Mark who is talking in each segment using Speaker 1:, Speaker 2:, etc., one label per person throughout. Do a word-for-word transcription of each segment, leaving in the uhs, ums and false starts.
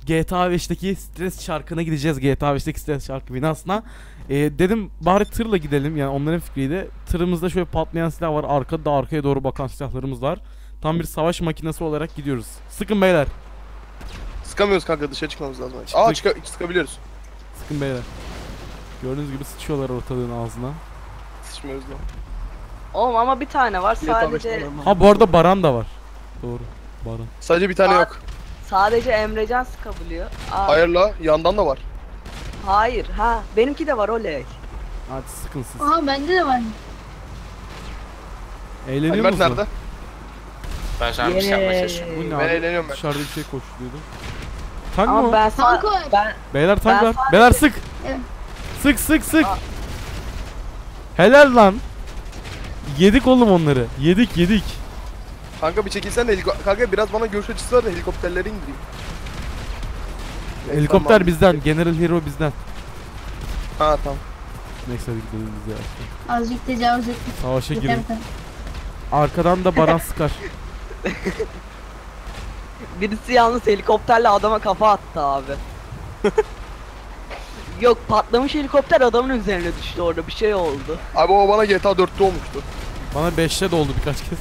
Speaker 1: G T A beşteki stres çarkına gideceğiz. G T A beşteki stres çarkı binasına. Ee, dedim bari tırla gidelim, yani onların fikriydi. Tırımızda şöyle patlayan silah var. Arkada da arkaya doğru bakan silahlarımız var. Tam bir savaş makinesi olarak gidiyoruz. Sıkın beyler.
Speaker 2: Sıkamıyoruz kanka, dışarı çıkmamız lazım.
Speaker 1: Çıktık.
Speaker 2: Aa çıka sıkabiliyoruz.
Speaker 1: Sıkın beyler. Gördüğünüz gibi sıçıyorlar ortalığın ağzına.
Speaker 2: Sıçmıyoruz lan.
Speaker 3: Oğlum ama bir tane var
Speaker 2: G T A beş
Speaker 3: sadece.
Speaker 2: normal.
Speaker 1: Ha bu arada Baran da var. Doğru. Baran.
Speaker 2: Sadece bir tane
Speaker 3: Aa.
Speaker 2: yok.
Speaker 3: Sadece Emrecan sıkabiliyor. Aa,
Speaker 2: Hayır la, yandan da var.
Speaker 3: Hayır. Ha, benimki de var oley.
Speaker 1: Hadi sıkın siz.
Speaker 4: Aha bende de var.
Speaker 1: Eğleniyor
Speaker 2: Alper
Speaker 1: musun?
Speaker 2: nerede?
Speaker 5: Ben şu an bir şey yapmaya çalışıyorum.
Speaker 1: Bu ne
Speaker 2: Ben
Speaker 1: abi?
Speaker 2: eğleniyorum ben.
Speaker 1: Dışarıda bir şey koşturuyordu. Tank mı?
Speaker 3: Ama
Speaker 1: o?
Speaker 3: ben
Speaker 4: Tank
Speaker 3: sa-
Speaker 4: var.
Speaker 3: ben
Speaker 1: Beyler tank
Speaker 3: Ben
Speaker 1: var.
Speaker 3: sadece-
Speaker 1: Beyler sık.
Speaker 4: Evet.
Speaker 1: Sık sık sık.
Speaker 3: Aa.
Speaker 1: Helal lan. Yedik oğlum onları. Yedik yedik.
Speaker 2: Kanka bir çekilsen de heliko- kanka biraz bana görüş açısı var da helikopterleri indireyim.
Speaker 1: Helikopter
Speaker 2: Tamam.
Speaker 1: bizden. General Hero bizden.
Speaker 2: Ha tamam.
Speaker 1: Neyse hadi gidelim biz ya.
Speaker 4: Azıcık tecavüz ettim.
Speaker 1: Savaşa
Speaker 4: Yeter
Speaker 1: girin.
Speaker 4: yeter.
Speaker 1: Arkadan da Baran sıkar.
Speaker 3: birisi yalnız helikopterle adama kafa attı abi. Yok, patlamış helikopter adamın üzerine düştü, orada bir şey oldu.
Speaker 2: Abi o bana G T A dörtte olmuştu.
Speaker 1: Bana beşte de oldu birkaç kez.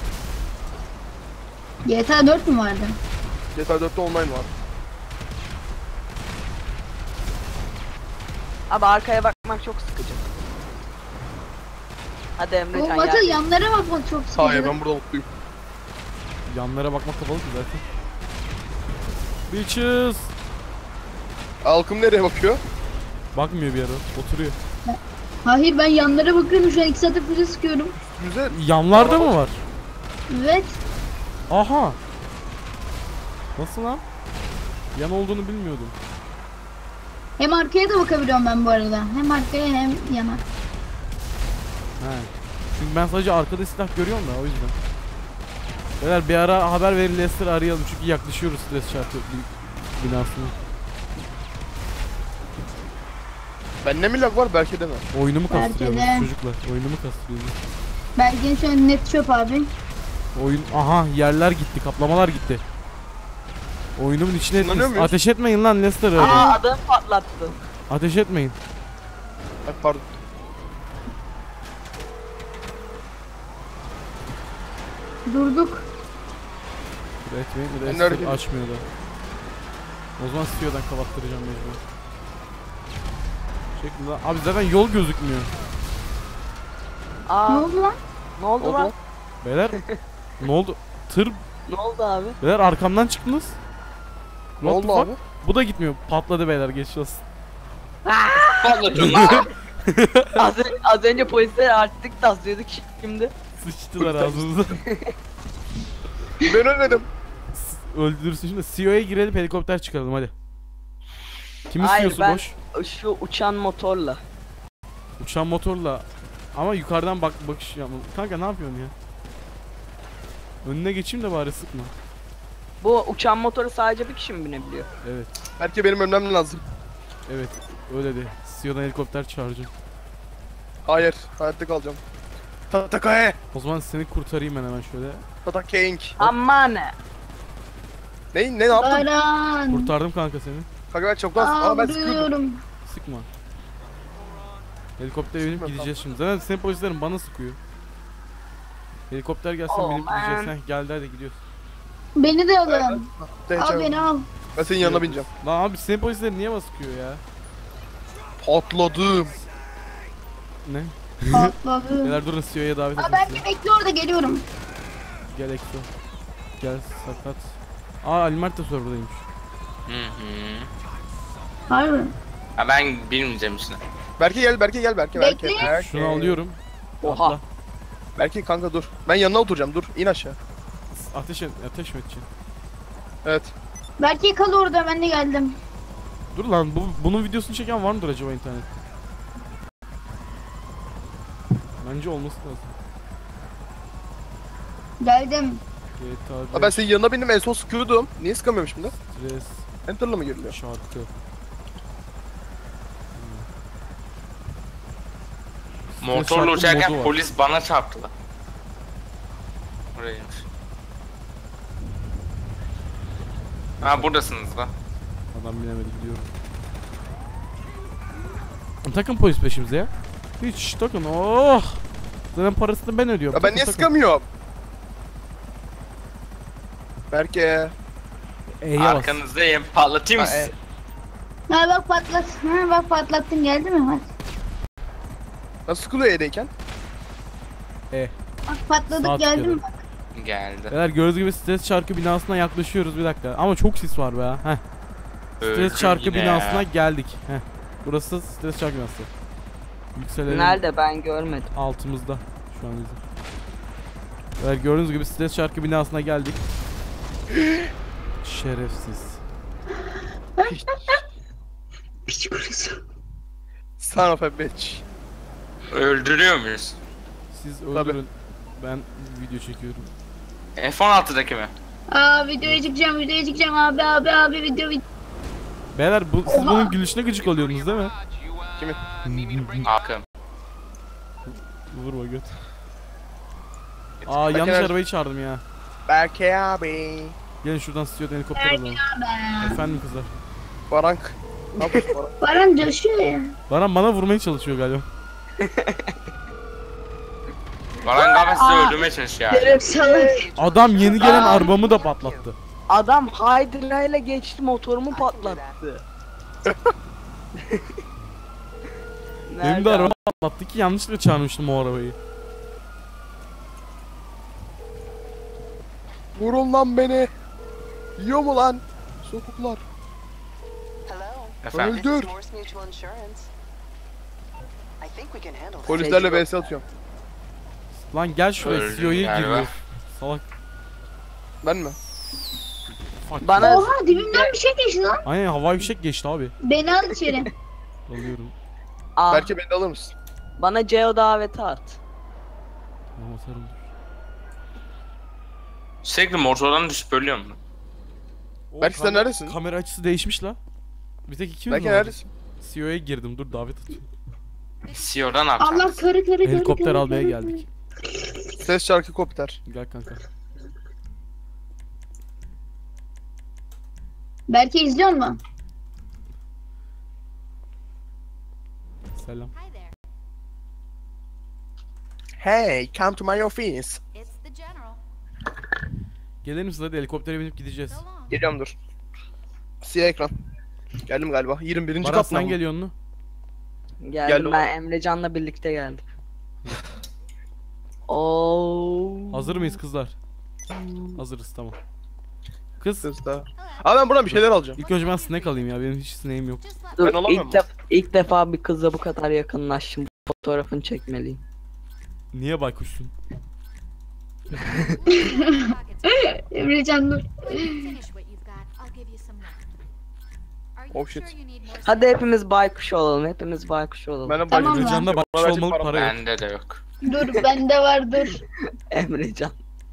Speaker 4: G T A dört mü vardı?
Speaker 2: G T A dörtte online var.
Speaker 3: Abi arkaya bakmak çok sıkıcı. Hadi
Speaker 4: O
Speaker 3: Emrecan
Speaker 4: Batı
Speaker 3: gel.
Speaker 4: yanlara bakmak çok sıkıcı.
Speaker 2: Hayır ben burada mutluyum.
Speaker 1: Yanlara bakmak kapalı ki zaten. Bitches.
Speaker 2: Halkım nereye bakıyor?
Speaker 1: Bakmıyor bir ara. Oturuyor.
Speaker 4: Hayır ben yanlara bakıyorum şu an iki saattir füze sıkıyorum.
Speaker 2: Güzel.
Speaker 1: Yanlarda mı var?
Speaker 4: Evet.
Speaker 1: Aha. Nasıl lan? Yan olduğunu bilmiyordum.
Speaker 4: Hem arkaya da bakabiliyorum ben bu arada. Hem arkaya hem yana.
Speaker 1: He. Çünkü ben sadece arkada silah görüyorum da o yüzden. Beyler bir ara haber verin, Lester arayalım çünkü yaklaşıyoruz stres çarpı bin- binasına.
Speaker 2: Bende mi lag var belki de mi?
Speaker 1: Oyunumu
Speaker 4: Belki
Speaker 1: kastırıyoruz
Speaker 4: de.
Speaker 1: çocuklar. Oyunumu kastırıyoruz.
Speaker 4: Belki şu an net çöp abi.
Speaker 1: Oyun aha yerler gitti, kaplamalar gitti. Oyunumun içine
Speaker 2: Kullanıyor
Speaker 1: ettiniz.
Speaker 2: muyuz?
Speaker 1: Ateş etmeyin lan Lester arıyor.
Speaker 3: Aa, adamı patlattı.
Speaker 1: Ateş etmeyin.
Speaker 2: Ay pardon.
Speaker 4: Durduk.
Speaker 1: Dur etmeyin, bir de
Speaker 2: Ben nerede
Speaker 1: Lester açmıyor da. O zaman C E O'dan kapattıracağım mecbur. Çekil lan. Abi zaten yol gözükmüyor.
Speaker 3: Aa,
Speaker 4: Ne oldu lan?
Speaker 3: ne oldu
Speaker 2: Oldu.
Speaker 3: lan?
Speaker 1: Beyler ne oldu? Tır.
Speaker 3: Ne oldu abi?
Speaker 1: Beyler arkamdan çıktınız.
Speaker 2: Ne
Speaker 1: What the
Speaker 2: oldu
Speaker 1: fuck?
Speaker 2: abi?
Speaker 1: Bu da gitmiyor. Patladı beyler, geçmiş olsun.
Speaker 5: Patlatıyorum lan.
Speaker 3: az, önce, az önce polisler artık taslıyorduk şimdi.
Speaker 1: Sıçtılar ağzımıza.
Speaker 2: Ben ölmedim.
Speaker 1: Öldürürsün şimdi. C E O'ya girelim, helikopter çıkaralım hadi. Kimin
Speaker 3: Hayır,
Speaker 1: C E O'su
Speaker 3: ben-
Speaker 1: boş?
Speaker 3: Şu uçan motorla.
Speaker 1: Uçan motorla. Ama yukarıdan bak bakış yapma. Kanka ne yapıyorsun ya? Önüne geçeyim de bari sıkma.
Speaker 3: Bu uçan motoru sadece bir kişi mi binebiliyor?
Speaker 1: Evet.
Speaker 2: Belki benim ölmem lazım.
Speaker 1: Evet. Öyle de. C E O'dan helikopter çağıracağım.
Speaker 2: Hayır, hayatta kalacağım. Tatakae.
Speaker 1: O zaman seni kurtarayım ben hemen şöyle.
Speaker 2: Tatakeng.
Speaker 3: Aman.
Speaker 2: Ne? Ne ne yaptın?
Speaker 4: Baran.
Speaker 1: Kurtardım kanka seni.
Speaker 2: Kanka ben çoktan...
Speaker 4: Aa
Speaker 2: Aa ben sıkıyordum.
Speaker 4: vuruyorum.
Speaker 1: Sıkma. Helikoptere binip
Speaker 2: Sıkma,
Speaker 1: gideceğiz şimdi. Zaten senin polislerin bana sıkıyor. Helikopter gelsin,
Speaker 3: Oh,
Speaker 1: binip
Speaker 3: man.
Speaker 1: gideceğiz. Heh, geldi hadi gidiyoruz.
Speaker 4: Beni de alın.
Speaker 2: Ben,
Speaker 4: Al beni al.
Speaker 2: ben senin yanına bineceğim.
Speaker 1: Lan abi senin polislerin niye bana sıkıyor ya?
Speaker 2: Patladım.
Speaker 1: Ne?
Speaker 4: Patladı.
Speaker 1: Beyler durun, C E O'ya davet
Speaker 4: Aa
Speaker 1: edin
Speaker 4: belki
Speaker 1: sizi.
Speaker 4: bekle orada geliyorum.
Speaker 1: Gel Exo. Gel sakat. Aa Almert de serverdaymış.
Speaker 5: Hı hı.
Speaker 4: Harbi.
Speaker 5: Ha ben bilmeyeceğim işte.
Speaker 2: Berke gel, Berke gel, Berke. Berke.
Speaker 4: Bekle.
Speaker 2: Berke.
Speaker 1: Şunu alıyorum.
Speaker 3: Oha.
Speaker 1: Atla.
Speaker 2: Berke kanka dur. Ben yanına oturacağım, dur. İn aşağı.
Speaker 1: Ateş et, ateş mi edeceksin?
Speaker 2: Evet.
Speaker 4: Belki kal orada ben de geldim.
Speaker 1: Dur lan, bu bunun videosunu çeken var mıdır acaba internette? Bence olması lazım.
Speaker 4: Geldim.
Speaker 1: G T A
Speaker 2: Ha ben senin yanına bindim, en son sıkıyordum. Niye sıkamıyorum şimdi?
Speaker 1: Stres
Speaker 2: Enter'la mı giriliyor?
Speaker 1: şarkı.
Speaker 5: Motorla
Speaker 1: şarkı
Speaker 5: uçarken
Speaker 1: modu var.
Speaker 5: polis bana çarptı lan. Orayaymış. Ha buradasınız lan.
Speaker 1: Adam bilemedi gidiyor. Takın polis peşimize ya. Hiç takın. Oh. Zaten parasını ben ödüyorum.
Speaker 2: Ya ben
Speaker 1: Takın,
Speaker 2: niye
Speaker 1: takın.
Speaker 2: sıkamıyorum? Berke.
Speaker 1: E'ye bas.
Speaker 5: Arkanızdayım. Patlatayım mı
Speaker 2: Ha, e.
Speaker 5: sizi?
Speaker 4: Ha bak patlat. Ha bak patlattın geldi mi? Bak,
Speaker 2: Nasıl sıkılıyor E'deyken?
Speaker 1: E.
Speaker 4: bak patladık
Speaker 1: Sağ
Speaker 4: geldi mi?
Speaker 1: tıkladı.
Speaker 5: Geldi.
Speaker 1: Beyler gördüğünüz gibi stres çarkı binasına yaklaşıyoruz bir dakika. Ama çok sis var be. Heh.
Speaker 5: Öldüm
Speaker 1: Stres çarkı
Speaker 5: yine
Speaker 1: binasına
Speaker 5: ya.
Speaker 1: geldik. Heh. Burası stres çarkı binası. Yükselelim.
Speaker 3: Nerede ben görmedim.
Speaker 1: Altımızda şu an bizim. Evet gördüğünüz gibi stres çarkı binasına geldik. Şerefsiz.
Speaker 2: Son of a bitch.
Speaker 5: Öldürüyor muyuz?
Speaker 1: Siz
Speaker 2: Tabii.
Speaker 1: öldürün. Ben video çekiyorum.
Speaker 5: F on altıdaki mi?
Speaker 4: Aa videoya çıkacağım videoya çıkacağım abi abi abi video video.
Speaker 1: Beyler bu, siz bunun gülüşüne gıcık oluyorsunuz değil mi?
Speaker 5: Hakkım.
Speaker 1: Vurma göt. Aa yanlış
Speaker 2: Berke-
Speaker 1: arabayı çağırdım ya.
Speaker 2: Berke abi.
Speaker 1: Gelin şuradan stüdyodan helikopter alalım.
Speaker 4: Be.
Speaker 1: Efendim kızlar.
Speaker 2: Barank. Ne yapıyorsun Barank?
Speaker 4: Baran coşuyor ya.
Speaker 1: Baran bana vurmaya çalışıyor galiba.
Speaker 5: Baran galiba sizi öldürmeye çalışıyor yani.
Speaker 3: Şeref salak.
Speaker 1: Adam yeni gelen arabamı da patlattı.
Speaker 3: Adam Hydra ile geçti motorumu patlattı.
Speaker 1: Benim de
Speaker 3: Nerede
Speaker 1: arabamı patlattı ki yanlışlıkla çağırmıştım o arabayı.
Speaker 2: Vurun lan beni. Yiyor mu lan? Sokuklar.
Speaker 5: Efendim?
Speaker 2: Öldür. Polislerle vs atıyorum.
Speaker 1: Lan gel şuraya
Speaker 5: Öldüm
Speaker 1: C E O'ya
Speaker 5: galiba.
Speaker 1: giriyor. Salak.
Speaker 2: Ben mi?
Speaker 1: Fuck.
Speaker 3: Bana
Speaker 4: Oha dibimden bir şey geçti lan.
Speaker 1: Aynen havai fişek geçti abi.
Speaker 4: Beni al içeri.
Speaker 1: Alıyorum.
Speaker 3: Aa,
Speaker 2: Berke beni de alır mısın?
Speaker 3: bana C O daveti at.
Speaker 1: Tamam atarım.
Speaker 5: Sürekli motordan düşüp ölüyor mu?
Speaker 1: O
Speaker 2: Berke sen
Speaker 1: kam-
Speaker 2: neredesin?
Speaker 1: Kamera açısı değişmiş la. Bir tek iki
Speaker 2: Berke
Speaker 1: mi var?
Speaker 2: neredesin?
Speaker 1: C E O'ya girdim dur davet atıyor.
Speaker 5: C E O'da ne yapacaksın?
Speaker 4: Allah karı karı karı.
Speaker 1: Helikopter
Speaker 4: karı,
Speaker 1: almaya
Speaker 4: karı,
Speaker 1: geldik.
Speaker 2: Ses şarkı kopter.
Speaker 1: Gel kanka.
Speaker 4: Belki izliyor mu?
Speaker 1: Selam.
Speaker 6: Hi there.
Speaker 2: Hey, come to my office.
Speaker 6: It's the general.
Speaker 1: Gelir misin hadi helikoptere binip gideceğiz.
Speaker 6: So long.
Speaker 2: Geliyorum dur. Siyah ekran. Geldim galiba. yirmi birinci
Speaker 1: Baran
Speaker 2: kat mı?
Speaker 1: sen geliyorsun mu?
Speaker 3: Geldim
Speaker 2: Gel
Speaker 3: ben Emrecan'la birlikte geldim. Oo.
Speaker 1: Hazır mıyız kızlar? Hazırız tamam. Kız
Speaker 2: Ses daha. Abi ben buradan bir şeyler alacağım.
Speaker 1: ilk önce ben snack alayım ya benim hiç snack'im yok.
Speaker 6: Just let
Speaker 3: Dur,
Speaker 2: Ben alamıyorum.
Speaker 3: ilk, def ilk defa bir kızla bu kadar yakınlaştım. Fotoğrafını çekmeliyim.
Speaker 1: Niye baykuşsun?
Speaker 6: me pockets.
Speaker 4: Emrecan dur.
Speaker 6: Finish what you've got. I'll give you some more. Are you
Speaker 2: Oh,
Speaker 6: sure
Speaker 2: shit.
Speaker 6: you need more?
Speaker 3: Hadi hepimiz baykuş olalım. Hepimiz baykuş olalım.
Speaker 2: Ben de
Speaker 4: Tamam
Speaker 2: bayılacağım.
Speaker 1: Emrecan'da
Speaker 2: Bana
Speaker 1: bakmış
Speaker 2: verecek
Speaker 1: olmalı
Speaker 2: param
Speaker 1: para yok.
Speaker 5: Bende de yok.
Speaker 4: Dur bende var dur.
Speaker 3: Emrecan.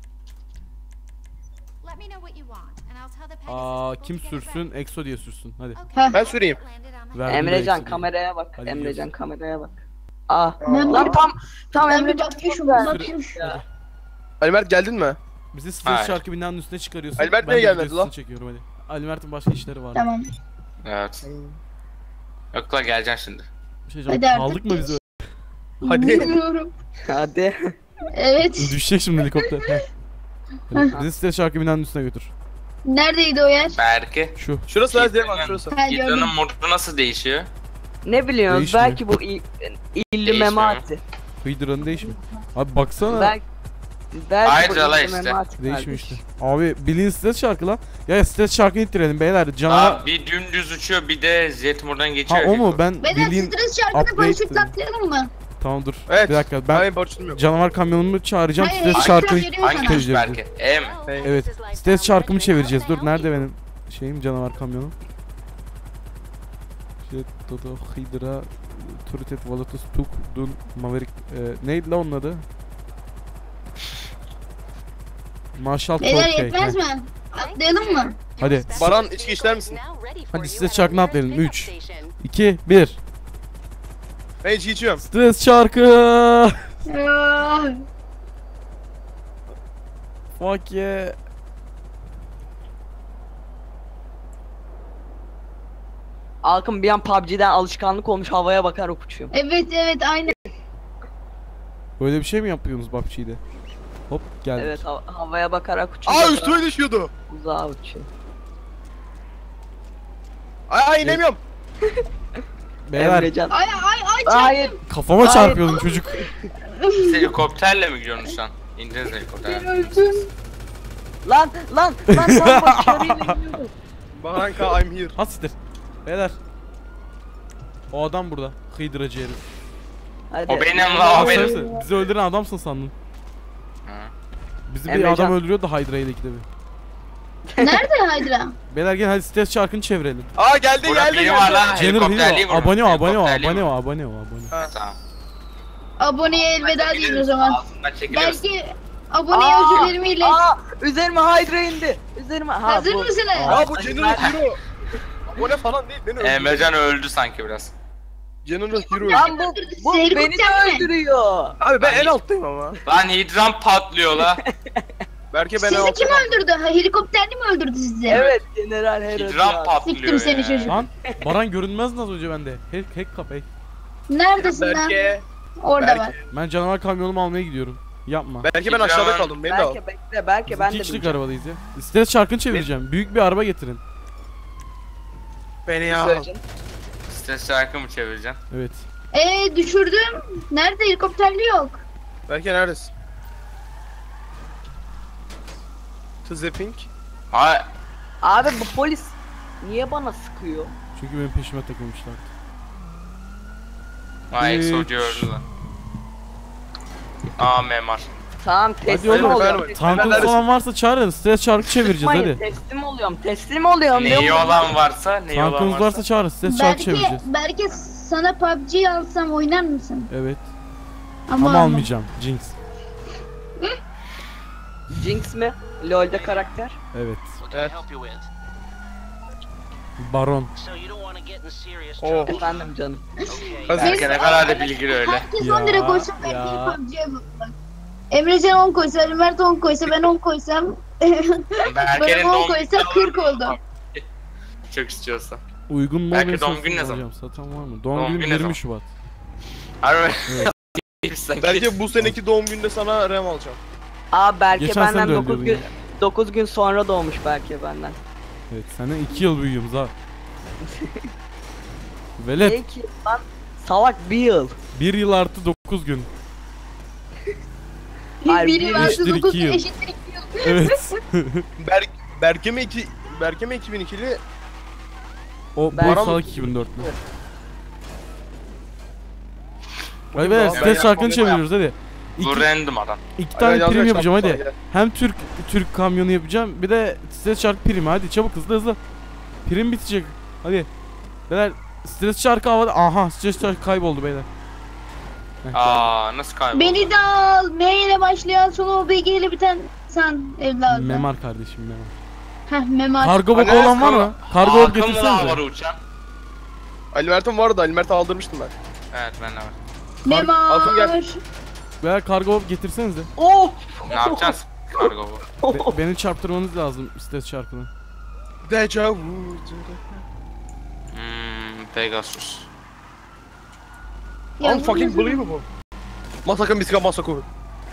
Speaker 6: Let me know what you want, and I'll tell the Pegasus
Speaker 1: Aa
Speaker 6: people
Speaker 1: kim
Speaker 6: to get it
Speaker 1: sürsün? Exo diye sürsün. Hadi.
Speaker 6: ready.
Speaker 4: Heh.
Speaker 6: Okay.
Speaker 2: Ben süreyim.
Speaker 6: Landed on my
Speaker 1: Ver. Verdim
Speaker 3: Emrecan
Speaker 1: direkt
Speaker 3: kameraya bak.
Speaker 1: Hadi
Speaker 3: Emrecan
Speaker 1: gidiyoruz.
Speaker 3: kameraya bak. Aa.
Speaker 4: Ben
Speaker 3: Lan
Speaker 4: bir-
Speaker 3: tam tam
Speaker 4: Ben bir
Speaker 3: Emrecan
Speaker 4: bakayım,
Speaker 3: çok güzel.
Speaker 4: bakayım.
Speaker 3: Ya.
Speaker 2: Ali Mert geldin mi?
Speaker 1: Bizi stres
Speaker 5: Hayır.
Speaker 1: şarkı binanın üstüne çıkarıyorsun.
Speaker 2: Ali Mert
Speaker 1: ben
Speaker 2: niye
Speaker 1: de
Speaker 2: gelmedi
Speaker 1: videosunu
Speaker 2: lan?
Speaker 1: çekiyorum hadi. Ali Mert'in başka işleri var.
Speaker 4: Tamam.
Speaker 5: Evet. Yok la geleceksin şimdi.
Speaker 1: Bir şey
Speaker 4: Hadi
Speaker 1: diyeceğim.
Speaker 4: artık
Speaker 1: Kaldık mı biz öyle?
Speaker 2: Hadi.
Speaker 4: Bilmiyorum.
Speaker 3: Hadi.
Speaker 4: Evet.
Speaker 1: Düşecek şimdi helikopter. Heh. Hadi, bizi stres şarkı binanın üstüne götür.
Speaker 4: Neredeydi o yer?
Speaker 5: Belki.
Speaker 1: Şu.
Speaker 2: Şurası nerede diye bak şurası.
Speaker 4: Ha gördüm.
Speaker 5: Hidra'nın modu nasıl değişiyor?
Speaker 3: Ne biliyorsunuz?
Speaker 1: Değişmiyor.
Speaker 3: Belki bu il, illi
Speaker 5: Değişmiyor.
Speaker 3: memati.
Speaker 1: Hıydıra'nın değişmiyor. Abi baksana.
Speaker 3: Belki belki
Speaker 5: Hayır,
Speaker 3: bu
Speaker 5: Cala
Speaker 3: illi
Speaker 5: işte.
Speaker 3: memati
Speaker 1: Değişmiyor
Speaker 3: kardeş.
Speaker 1: işte. Abi bilin stres şarkı lan. Ya stres şarkı ittirelim beyler. Canavar.
Speaker 5: Aa, bir dümdüz uçuyor bir de jet buradan
Speaker 1: Ha
Speaker 5: geçiyor.
Speaker 1: o mu? Ben
Speaker 4: Beden
Speaker 1: bildiğin...
Speaker 4: stres şarkını
Speaker 1: upgrade
Speaker 4: paraşütle
Speaker 1: dedim.
Speaker 4: atlayalım mı?
Speaker 1: Tamam dur.
Speaker 2: Evet.
Speaker 1: Bir dakika ben
Speaker 2: Hayır borçlum yok.
Speaker 1: canavar kamyonumu çağıracağım.
Speaker 4: Hayır,
Speaker 1: Stres
Speaker 4: hayır,
Speaker 1: şarkı
Speaker 4: ekran veriyor
Speaker 5: Hangi
Speaker 4: sana.
Speaker 5: tuş
Speaker 1: Tecrübe
Speaker 5: belki? E mi?
Speaker 1: Evet. Stres şarkımı çevireceğiz. Dur nerede benim şeyim canavar kamyonum? Jet, Dodo, Hydra, Turret, Volatus, Tuk, Dun, Maverick. E, neydi la onun adı? Marshall
Speaker 4: Beyler
Speaker 1: Torque.
Speaker 4: yetmez mi? Atlayalım mı?
Speaker 1: Hadi.
Speaker 2: Baran içki ister misin?
Speaker 1: Hadi stres şarkını atlayalım. üç, iki, bir.
Speaker 2: Ben içki içiyorum.
Speaker 1: Stres şarkı.
Speaker 4: Ah,
Speaker 1: Fuck yeah.
Speaker 3: Alkım bir an P U B G'den alışkanlık olmuş havaya bakarak uçuyor.
Speaker 4: Evet evet aynen.
Speaker 1: Böyle bir şey mi yapıyorsunuz P U B G'de? Hop geldik.
Speaker 3: Evet ha- havaya bakarak uçuyor.
Speaker 2: Aa üstüme düşüyordu.
Speaker 3: Uzağa uçuyor.
Speaker 2: Ay ay inemiyorum.
Speaker 1: Beyler
Speaker 3: Emrecan.
Speaker 4: Ay ay ay
Speaker 3: Hayır.
Speaker 1: kafama
Speaker 3: Hayır.
Speaker 1: çarpıyordum çocuk.
Speaker 5: Siz helikopterle mi gidiyorsunuz şu an? İndiniz
Speaker 4: ben
Speaker 5: helikopterle.
Speaker 4: öldüm.
Speaker 3: Lan lan lan lan başarıyla iniyorum.
Speaker 2: Baranka I'm here.
Speaker 1: Hasittir. Beyler. O adam burada. Hıydıracı herif.
Speaker 3: Hadi.
Speaker 5: O benim la o benim.
Speaker 1: Sen- Bizi öldüren adamsın sandım.
Speaker 5: Hı.
Speaker 1: Bizi bir
Speaker 3: Emrecan.
Speaker 1: adam öldürüyor da Hydra ile ikide bir.
Speaker 4: Nerede Hydra?
Speaker 1: Beyler gel hadi stres çarkını çevirelim.
Speaker 2: Aa geldi
Speaker 5: Burada
Speaker 2: geldi
Speaker 5: biri var
Speaker 2: geldi.
Speaker 5: lan.
Speaker 1: General
Speaker 5: Helikopterliği
Speaker 1: Hero.
Speaker 5: vurun.
Speaker 1: Abone ol, abone ol,
Speaker 5: Helikopterliği
Speaker 1: abone
Speaker 5: vurun.
Speaker 1: ol, abone ol, abone ol.
Speaker 2: Ha.
Speaker 5: Tamam.
Speaker 4: Aboneye elveda deyin o zaman.
Speaker 5: Altından çekiliyoruz.
Speaker 4: Belki aboneye
Speaker 3: Aa,
Speaker 4: özürlerimi ilet.
Speaker 3: Aa üzerime Hydra indi. Üzerime. Ha,
Speaker 4: Hazır
Speaker 3: bu-
Speaker 4: mısınız?
Speaker 2: Ya bu General Hero. Abone falan değil beni öldürdü.
Speaker 5: Emrecan öldü sanki biraz.
Speaker 2: General Hero.
Speaker 3: Lan bu, bu
Speaker 4: Sizi
Speaker 3: beni de
Speaker 4: helikopter mi?
Speaker 3: öldürüyor.
Speaker 2: Abi ben en alttayım ama.
Speaker 5: Lan hidran patlıyor la.
Speaker 2: Belki ben en
Speaker 4: Sizi kim
Speaker 2: alttayım.
Speaker 4: öldürdü? Ha, helikopterli mi öldürdü sizi?
Speaker 3: Evet General Hero.
Speaker 5: Hidran
Speaker 3: ya.
Speaker 5: patlıyor
Speaker 4: Siktim seni
Speaker 5: ya.
Speaker 4: çocuk.
Speaker 1: Lan Baran görünmez nasıl önce bende. Hack, hack kap hack.
Speaker 4: Neredesin lan?
Speaker 2: Belki.
Speaker 4: Orada
Speaker 2: belki.
Speaker 4: var.
Speaker 1: Ben canavar kamyonumu almaya gidiyorum. Yapma.
Speaker 2: Belki ben aşağıda kaldım. Beni de al.
Speaker 3: Belki bekle belki
Speaker 1: Biz
Speaker 3: ben
Speaker 1: iki
Speaker 3: de
Speaker 1: kişilik
Speaker 3: bileceğim.
Speaker 1: arabadayız ya. Stres çarkını çevireceğim. Büyük bir araba getirin.
Speaker 2: Beni al.
Speaker 3: Söyleyeceğim.
Speaker 5: Stres şarkı mı çevireceksin?
Speaker 1: Evet.
Speaker 4: Ee düşürdüm. Nerede helikopterli yok?
Speaker 2: Belki neredesin? To Zapping.
Speaker 5: Hayır.
Speaker 3: Abi bu polis niye bana sıkıyor?
Speaker 1: Çünkü benim peşime takılmışlar.
Speaker 5: Hayır
Speaker 1: Üç.
Speaker 5: Exo diyoruz da. Aa memar.
Speaker 3: Tamam
Speaker 1: Hadi
Speaker 3: teslim
Speaker 1: oğlum.
Speaker 3: oluyorum.
Speaker 2: Ben-
Speaker 1: Tankın
Speaker 2: neredesin?
Speaker 1: falan varsa çağırın. Stres çarkı çevireceğiz
Speaker 3: Sıkmayın,
Speaker 1: hadi.
Speaker 3: teslim oluyorum. Teslim oluyorum.
Speaker 5: Neyi
Speaker 3: diyorum.
Speaker 5: olan varsa, neyi olan
Speaker 1: Tankınız
Speaker 5: varsa.
Speaker 1: varsa çağırın. Stres çarkı
Speaker 4: Belki,
Speaker 1: çevireceğiz.
Speaker 4: belki sana P U B G alsam oynar mısın?
Speaker 1: Evet.
Speaker 4: Ama,
Speaker 1: Ama
Speaker 4: alma.
Speaker 1: almayacağım. Jinx.
Speaker 3: Jinx mi? LoL'de karakter.
Speaker 1: Evet.
Speaker 7: What can I
Speaker 2: Evet.
Speaker 7: help you with?
Speaker 1: Baron.
Speaker 7: So you don't want to get in serious
Speaker 2: Oh.
Speaker 7: trouble.
Speaker 3: Efendim canım.
Speaker 7: Okay.
Speaker 2: Hazır.
Speaker 5: Belki ne kadar da bilgili öyle.
Speaker 4: Herkes
Speaker 1: Ya,
Speaker 4: on lira koysa ben
Speaker 1: ya.
Speaker 4: bir P U B G'ye bak. Emrecan on koysa, Ömer on koysa, ben on koysam
Speaker 5: Berke'nin
Speaker 4: ben on
Speaker 5: doğum
Speaker 4: koysa
Speaker 5: günü
Speaker 4: kırk
Speaker 5: var mı?
Speaker 4: oldu.
Speaker 5: Çok istiyorsa.
Speaker 1: Uygun mu?
Speaker 5: Belki
Speaker 1: olmayı
Speaker 5: doğum
Speaker 1: satın
Speaker 5: günü ne zaman?
Speaker 1: alacağım. Satan var mı? Doğum,
Speaker 5: Doğum
Speaker 1: günü
Speaker 5: günü ne zaman?
Speaker 1: yirmi Şubat.
Speaker 5: Harbi.
Speaker 1: Evet.
Speaker 2: Belki bu seneki doğum gününde sana RAM alacağım.
Speaker 3: Aa Berke
Speaker 1: Geçen sene
Speaker 3: benden
Speaker 1: de
Speaker 3: dokuz
Speaker 1: öldürdün
Speaker 3: gün dokuz gün sonra doğmuş Berke benden.
Speaker 1: Evet. Senden iki yıl büyüğümüz ha. Velet.
Speaker 3: Peki lan salak bir yıl.
Speaker 1: bir yıl artı dokuz gün.
Speaker 3: Hayır,
Speaker 4: Biri
Speaker 3: bir
Speaker 4: varsa
Speaker 1: eşittir
Speaker 4: dokuz
Speaker 1: iki yıl.
Speaker 4: eşittir iki yıl.
Speaker 1: Evet.
Speaker 2: Berk Berke mi iki Berke mi iki bin ikili?
Speaker 1: O
Speaker 3: Ben-
Speaker 1: bu salak iki bin dörtlü. Hadi
Speaker 2: Bugün
Speaker 1: beyler
Speaker 2: daha- ben
Speaker 1: stres şarkını
Speaker 2: yapmam,
Speaker 1: çeviriyoruz hadi.
Speaker 5: Bu
Speaker 1: İki,
Speaker 5: random adam.
Speaker 1: iki
Speaker 2: Hadi
Speaker 1: tane
Speaker 2: yaz
Speaker 1: prim
Speaker 2: kaç
Speaker 1: yapacağım
Speaker 2: dakika
Speaker 1: hadi.
Speaker 2: sonra
Speaker 1: Hem Türk Türk kamyonu yapacağım bir de stres şarkı primi hadi çabuk hızlı hızlı. Prim bitecek. Hadi. Beyler stres şarkı havada. Aha stres şarkı kayboldu beyler. Heh,
Speaker 5: Aa nasıl kayboldu?
Speaker 4: Beni de al. M ile başlayan sonu O B G ile biten sen evladım.
Speaker 1: Memar kardeşim memar.
Speaker 4: Heh memar.
Speaker 1: Kargo boku
Speaker 5: Hani
Speaker 1: olan var mı? Kargo bok
Speaker 5: Hakan mı var
Speaker 1: getirsenize.
Speaker 5: uçan?
Speaker 2: Ali Mert'in vardı. Ali Mert'i aldırmıştım ben.
Speaker 5: Evet ben de var.
Speaker 4: Memar.
Speaker 2: Altın gel.
Speaker 1: Beyler kargo bok getirsenize.
Speaker 3: Of.
Speaker 5: Ne yapacağız? Kargo bu.
Speaker 1: Be- beni çarptırmanız lazım stres şarkını.
Speaker 2: Deja vu.
Speaker 5: Hmm, Pegasus.
Speaker 4: Ya,
Speaker 2: Unfucking believable. Masaka misika masaku.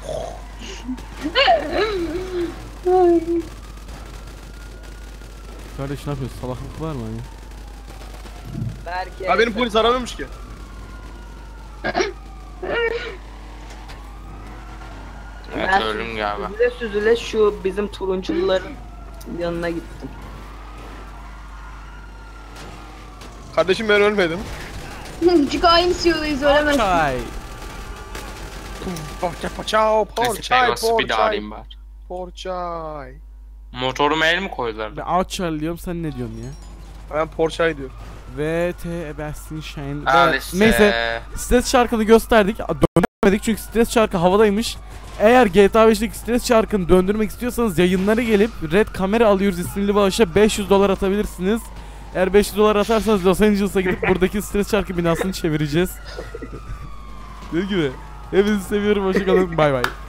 Speaker 4: Ay.
Speaker 1: Kardeş ne yapıyorsun? Salaklık var mı hani?
Speaker 3: Berke.
Speaker 2: Ya benim polis aramamış ki.
Speaker 5: Evet
Speaker 3: Ben
Speaker 5: ölüm galiba.
Speaker 3: Süzüle süzüle şu bizim turuncuların yanına gittim.
Speaker 2: Kardeşim ben ölmedim.
Speaker 4: Çünkü aynı C E O'dayız ölemezsin.
Speaker 1: Çay.
Speaker 2: Porça paçao,
Speaker 5: Neyse
Speaker 2: porçay,
Speaker 5: Pegasus'u bir daha
Speaker 2: porçay,
Speaker 5: arayayım bari.
Speaker 2: porçay.
Speaker 5: Motoruma el mi koydular?
Speaker 1: Ben Outchar diyorum sen ne diyorsun ya?
Speaker 2: Ben porçay diyorum.
Speaker 1: V T Ebersin Shine.
Speaker 5: Al
Speaker 1: Be-
Speaker 5: işte.
Speaker 1: Neyse stres şarkını gösterdik. Döndürmedik çünkü stres şarkı havadaymış. Eğer G T A beşteki stres şarkını döndürmek istiyorsanız yayınlara gelip Red Kamera alıyoruz isimli bağışa beş yüz dolar atabilirsiniz. Eğer beş yüz dolar atarsanız Los Angeles'a gidip buradaki stres şarkı binasını çevireceğiz. Dediğim gibi. Hepinizi seviyorum. Hoşçakalın. Bay bay.